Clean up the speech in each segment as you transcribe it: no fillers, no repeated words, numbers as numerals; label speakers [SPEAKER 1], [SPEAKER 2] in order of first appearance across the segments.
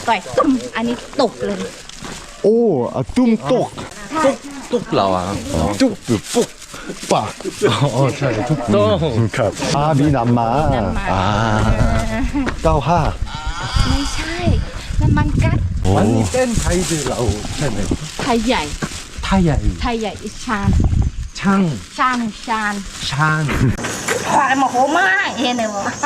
[SPEAKER 1] ต่อยตุ้มอันนี้ตกเลย
[SPEAKER 2] โอ้ตุ้มตก
[SPEAKER 3] ตุ๊กเราอ่ะ
[SPEAKER 2] จุ๊บปุ๊กปากอ๋อใช่ทุกต้องครับมีน้ำมา95
[SPEAKER 1] ไม่ใช่น้ำมันกัด
[SPEAKER 3] วันนี้เป็นไทยดือเราใช่ไหม
[SPEAKER 1] ไทยใหญ่
[SPEAKER 3] ไทยใหญ่
[SPEAKER 1] ไทยใหญ่ชาน
[SPEAKER 3] ช่าง
[SPEAKER 1] ชานชาน
[SPEAKER 3] ช่าง
[SPEAKER 1] พอมาโหมากเห็นไหมวะ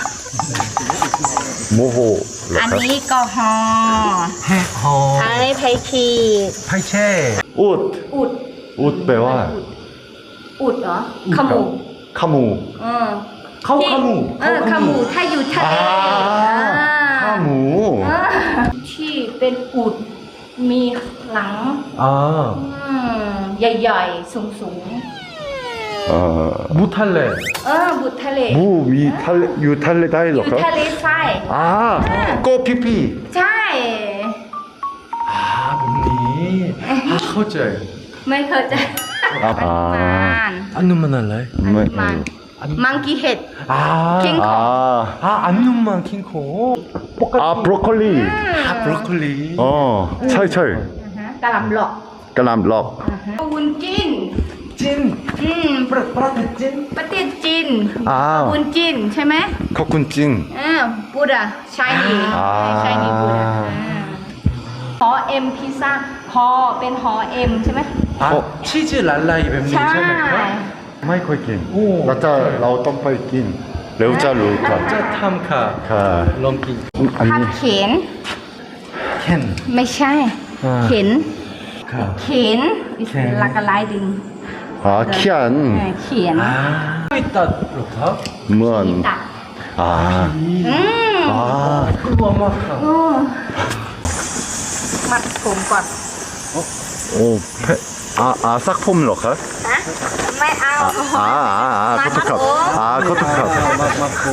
[SPEAKER 2] โมโห
[SPEAKER 1] อันนี้ก็ฮอ
[SPEAKER 3] แฮะฮอ
[SPEAKER 1] อันนี้ไพขีด
[SPEAKER 3] ไพเช่
[SPEAKER 2] อุด
[SPEAKER 1] อุด
[SPEAKER 2] อุดแปลว่า
[SPEAKER 1] อุดเหรอขมู
[SPEAKER 2] ขมู
[SPEAKER 3] เข้าขมู
[SPEAKER 1] ขมูถ้าอยู่ทะเล
[SPEAKER 2] ข้าหมู
[SPEAKER 1] ที่เป็นอุดมีหลัง
[SPEAKER 3] อ่า
[SPEAKER 1] ใหญ่ๆสูง
[SPEAKER 3] มุทะเล
[SPEAKER 1] บุตรทะเล
[SPEAKER 2] หมูมีทะเลอยู่ทะเลได้
[SPEAKER 1] อ
[SPEAKER 2] หรอยู่ ครับ
[SPEAKER 1] ทะเลทราย
[SPEAKER 2] โกพี่พี่
[SPEAKER 1] ใช่
[SPEAKER 3] แบบนี้เข้าใจ
[SPEAKER 1] ไม่เคยจะอนุมาน
[SPEAKER 3] อันนู้นมันอะไร
[SPEAKER 1] อนุมานมังกี้เห็ด คิงคอง
[SPEAKER 3] อันนู้นมันคิงโคปกติ
[SPEAKER 2] บรอกโคลี
[SPEAKER 3] บรอกโคลี
[SPEAKER 2] ใช่ใช่
[SPEAKER 1] กะหล่ำหลอก
[SPEAKER 2] กะหล่ำหลอก
[SPEAKER 1] วุ้นจิน
[SPEAKER 3] จินประเทศจิน
[SPEAKER 1] ประเทศจีน วุ้นจินใช่ไหม
[SPEAKER 2] ขอบคุณจริง
[SPEAKER 1] บูดาชายนีชายนีบูดาหอเอ็มพิซซ่าหอเป็นหอเอ็มใช่ไหม
[SPEAKER 3] ชีสลาลายแบบนี้ใช่ไหมครับ
[SPEAKER 2] ไม่ค่อยกิน
[SPEAKER 3] โอ้
[SPEAKER 2] เราต้องไปกินเร็วจะรู้ครับ
[SPEAKER 3] จะทำค่ะ
[SPEAKER 2] ค่ะ
[SPEAKER 3] ลองกิน
[SPEAKER 2] อัน
[SPEAKER 1] ทับ
[SPEAKER 2] นี้
[SPEAKER 1] เข็น
[SPEAKER 3] แค่น
[SPEAKER 1] ไม่ใช่ เข็น
[SPEAKER 3] ค่ะ
[SPEAKER 1] เข็นลักกะไลดิง
[SPEAKER 2] เขียน
[SPEAKER 1] เขียน
[SPEAKER 3] ไม่ตัดหรอครับ
[SPEAKER 2] เหมือน
[SPEAKER 1] ตัด
[SPEAKER 3] กลัวมากครับ
[SPEAKER 1] มัดผมก่อน
[SPEAKER 2] โอ้ซักผมเหรอครับ
[SPEAKER 1] ฮะไม่เอา
[SPEAKER 2] ขอโทษครับขอโทษครับ
[SPEAKER 3] มาโก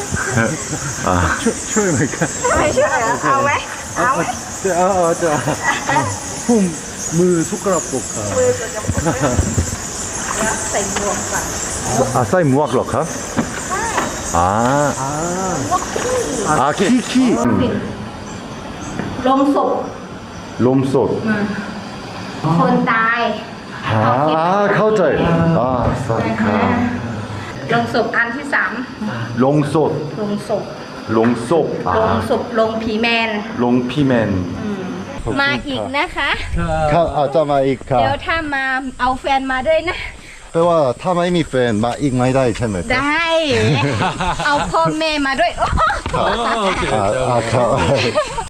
[SPEAKER 2] ช่วยหน่อยครับ
[SPEAKER 1] ไม่ใช่เหรอเอาไหมเอาไหม
[SPEAKER 3] จะผมมือทุกกระปุกครับ
[SPEAKER 1] มือจะเดี๋ยวใส่หมวกก่อน
[SPEAKER 2] ใส่หมวกเหรอครับขี้
[SPEAKER 1] ลมศพ
[SPEAKER 2] ลมสด
[SPEAKER 1] คนตาย
[SPEAKER 2] เข้าใจสวัสดีครับ
[SPEAKER 1] ลงศพอันที่ 3
[SPEAKER 2] ลงสด
[SPEAKER 1] ลงศพ
[SPEAKER 2] ลงศพ
[SPEAKER 1] ลงศพลงผีแมน
[SPEAKER 2] ลงพี่แมน
[SPEAKER 1] มาอีกนะคะ
[SPEAKER 2] ครับอาจจะมาอีกครับ
[SPEAKER 1] เดี๋ยวถ้ามาเอาแฟนมาด้วยนะ
[SPEAKER 2] แปลว่าถ้าไม่มีแฟนมาอีกไม่ได้ใช่ไหมครับ
[SPEAKER 1] ได้ เอาพ่อแม่มาด้วย
[SPEAKER 3] โอเค
[SPEAKER 2] ครับ